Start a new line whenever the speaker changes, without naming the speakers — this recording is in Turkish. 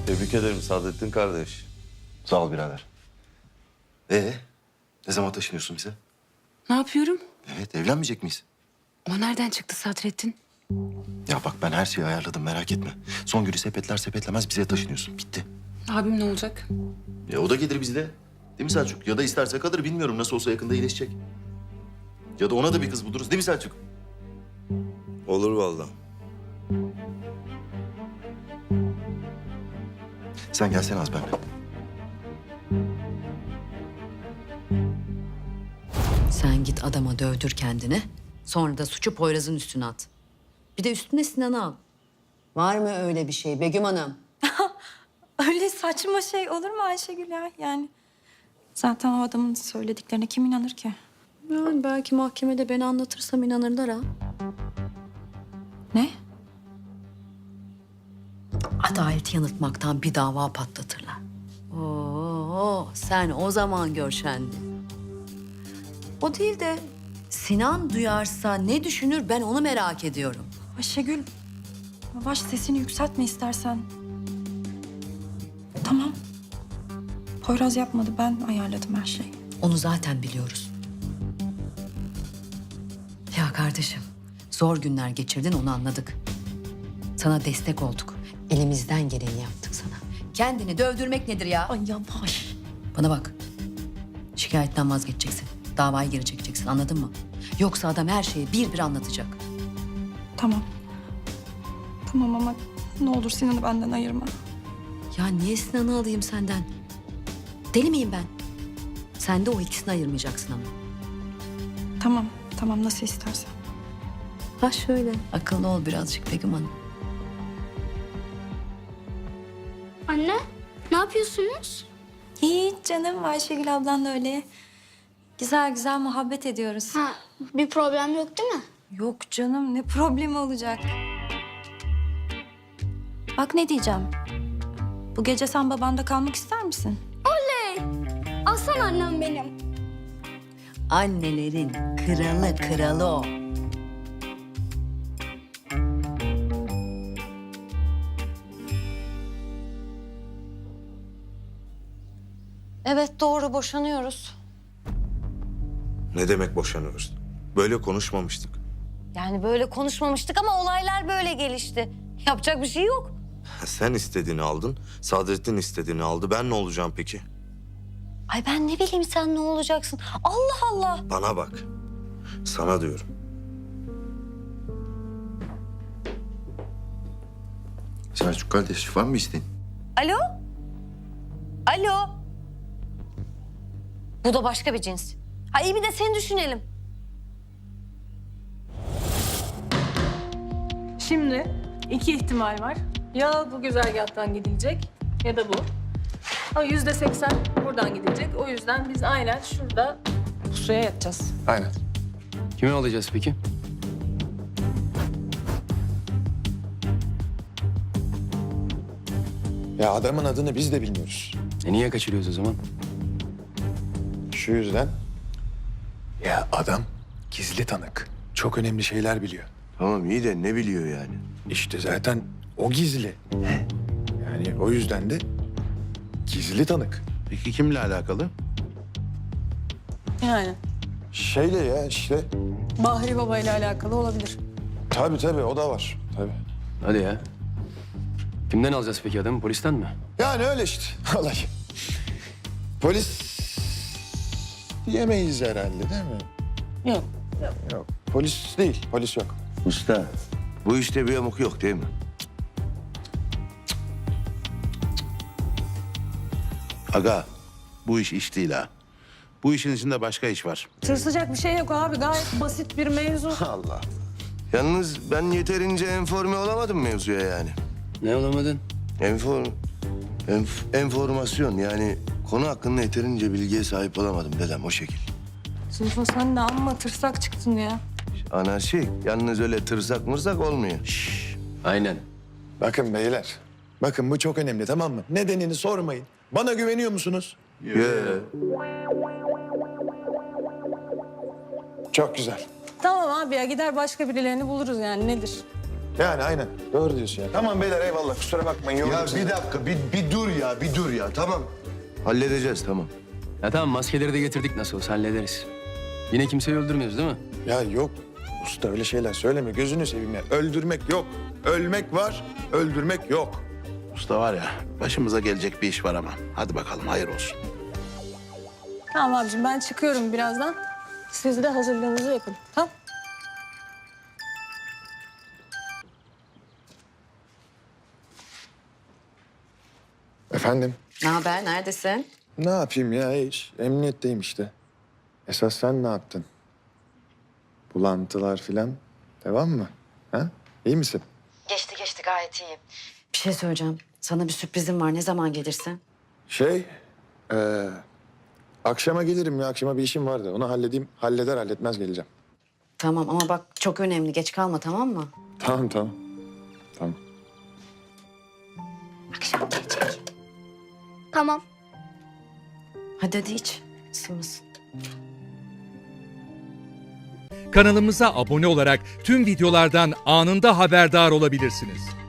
Tebrik ederim Saadettin kardeş.
Sağ ol birader. Ne zaman taşınıyorsun bize?
Ne yapıyorum?
Evet, evlenmeyecek miyiz?
O nereden çıktı Sadrettin?
Ya bak ben her şeyi ayarladım, merak etme. Son günü sepetler sepetlemez bize taşınıyorsun. Bitti.
Abim ne olacak?
O da gelir bizle. Değil mi Selçuk? Ya da isterse kalır, bilmiyorum. Nasıl olsa yakında iyileşecek. Ya da ona da bir kız buluruz. Değil mi Selçuk?
Olur vallahi.
Sen gelsene az benimle.
Sen git adama dövdür kendini. Sonra da suçu Poyraz'ın üstüne at. Bir de üstüne Sinan'ı al. Var mı öyle bir şey Begüm Hanım?
Öyle saçma şey olur mu Ayşegül ya? Yani zaten o adamın söylediklerine kim inanır ki?
Yani belki mahkemede ben anlatırsam inanırlar ha.
Ne?
Adaleti yanıltmaktan bir dava patlatırlar. Oo, sen o zaman gör şendi. O değil de Sinan duyarsa ne düşünür ben onu merak ediyorum.
Ayşegül, yavaş sesini yükseltme istersen. Tamam. Poyraz yapmadı, ben ayarladım her şeyi.
Onu zaten biliyoruz. Ya kardeşim, zor günler geçirdin onu anladık. Sana destek olduk. Elimizden geleni yaptık sana. Kendini dövdürmek nedir ya?
Ay yavaş.
Bana bak. Şikayetten vazgeçeceksin. Davayı geri çekeceksin anladın mı? Yoksa adam her şeyi bir bir anlatacak.
Tamam. Tamam ama ne olur Sinan'ı benden ayırma.
Ya niye Sinan'ı alayım senden? Deli miyim ben? Sen de o ikisini ayırmayacaksın ama.
Tamam, tamam nasıl istersen.
Ha şöyle. Akıllı ol birazcık Begüm Hanım.
Anne, ne yapıyorsunuz?
Hiç canım, Ayşegül ablan da öyle. Güzel güzel muhabbet ediyoruz.
Ha, bir problem yok değil mi?
Yok canım, ne problemi olacak? Bak ne diyeceğim. Bu gece sen babanda kalmak ister misin?
Aslan annem benim.
Annelerin kralı o.
Evet doğru boşanıyoruz.
Ne demek boşanıyoruz? Böyle konuşmamıştık.
Yani böyle konuşmamıştık ama olaylar böyle gelişti. Yapacak bir şey yok.
Sen istediğini aldın, Saadettin istediğini aldı. Ben ne olacağım peki?
Ay ben ne bileyim sen ne olacaksın? Allah Allah.
Bana bak. Sana diyorum.
Selçuk kardeş, var mı isteğin?
Alo? Alo? Bu da başka bir cins. Ha iyi bir de seni düşünelim.
Şimdi iki ihtimal var. Ya bu güzergahtan gidilecek ya da bu. Ama %80 buradan gidecek. O yüzden biz aynen şurada pusuya yatacağız.
Aynen. Kimi alacağız peki?
Ya adamın adını biz de bilmiyoruz.
Niye kaçırıyoruz o zaman?
Şu yüzden. Ya adam gizli tanık. Çok önemli şeyler biliyor.
Tamam iyi de ne biliyor yani?
İşte zaten o gizli. Yani o yüzden de gizli tanık.
Peki kimle alakalı?
Yani
Şeyle ya işte.
Bahri Baba ile alakalı olabilir.
Tabii o da var. Tabii.
Hadi ya. Kimden alacağız peki adamı? Polisten mi?
Yani öyle işte olay. Polis diyemeyiz herhalde değil mi?
Yok.
Yok. Polis değil. Polis yok.
Usta, bu işte bir yamuk yok değil mi?
Aga, bu iş değil ha. Bu işin içinde başka iş var.
Tırsacak bir şey yok abi. Gayet basit bir mevzu.
Allah. Yalnız ben yeterince enforme olamadım mevzuya yani.
Ne olamadın?
Enformasyon yani konu hakkında yeterince bilgiye sahip olamadım dedem o şekil.
Sınıfa sen de amma tırsak çıktın ya.
Anarşik. Yalnız öyle tırsak mırsak olmuyor.
Aynen.
Bakın beyler. Bakın bu çok önemli tamam mı? Nedenini sormayın. Bana güveniyor musunuz? Çok güzel.
Tamam abi ya gider başka birilerini buluruz yani nedir?
Yani aynen. Doğru diyorsun ya. Tamam beyler eyvallah kusura bakmayın.
Ya
yorduk sizi.
bir dakika, bir dur ya, bir dur ya. Tamam. Halledeceğiz, tamam.
Ya tamam maskeleri de getirdik nasıl olsa hallederiz. Yine kimseyi öldürmüyoruz değil mi?
Ya yok. Usta öyle şeyler söyleme. Gözünü seveyim ya. Öldürmek yok. Ölmek var, öldürmek yok.
Usta var ya, başımıza gelecek bir iş var ama. Hadi bakalım, hayır olsun.
Tamam abicim ben çıkıyorum birazdan. Siz de hazırlığınızı yapın. Tamam.
Efendim?
Ne haber? Neredesin?
Ne yapayım ya hiç? Emniyetteyim işte. Esas sen ne yaptın? Bulantılar filan devam mı? Ha? İyi misin?
Geçti gayet iyi. Bir şey söyleyeceğim. Sana bir sürprizim var. Ne zaman gelirsin?
Akşama gelirim ya. Akşama bir işim vardı. Onu halledeyim. Halleder halletmez geleceğim.
Tamam ama bak çok önemli. Geç kalma tamam mı?
Tamam. Tamam.
Akşam gelecek.
Tamam.
Hadi iç. Isınmasın.
Kanalımıza abone olarak tüm videolardan anında haberdar olabilirsiniz.